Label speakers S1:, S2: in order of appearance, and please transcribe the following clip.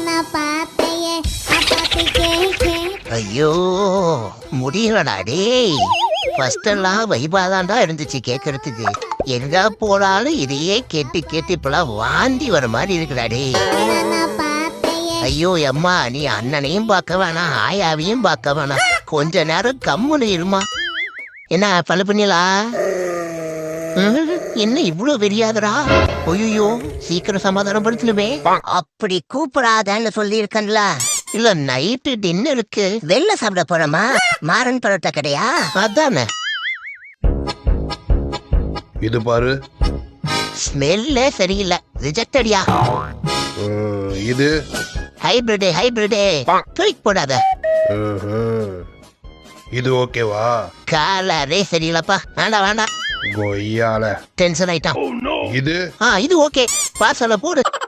S1: ஐயோ முடியலடா டேய். ஃபர்ஸ்ட் எல்லாம் வைபாதாண்டா இருந்துச்சு கேட்கறதுக்கு. எங்க போனாலும் இதையே கேட்டு கேட்டு இப்பெல்லாம் வாந்தி வர மாதிரி இருக்குடா டேய். ஐயோ அம்மா, நீ அண்ணனையும் பார்க்க வேணாம், ஆயாவையும் பார்க்க வேணாம், கொஞ்ச நேரம் கம்முனு இருமா. என்ன பல பண்ணிலா? என்ன இவ்வளவு வெறியாதரா? ஐயோ சீக்கிரம் சமாதானம் படுத்தணுமே.
S2: அப்படி கூப்பிடாதன்னு சொல்லி இருக்கன்ல.
S1: இல்ல நைட்டு டின்னருக்கு
S2: வெளில சாப்பிட போறோமா? மாறன் பரோட்டா கடையா?
S1: அதானே.
S3: இது பாரு.
S1: ஸ்மெல்லே சரியில்லை, ரிஜெக்டடியா.
S3: இது
S1: ஹைபிரிடே தூக்கி போடாத.
S3: இது ஓகேவா?
S1: கலரே சரியில்லப்பா, வேண்டாம்.
S3: கொய்யால
S1: டென்ஷன் ஆயிட்டான்.
S3: இது
S1: இது ஓகே, பார்சல போடு.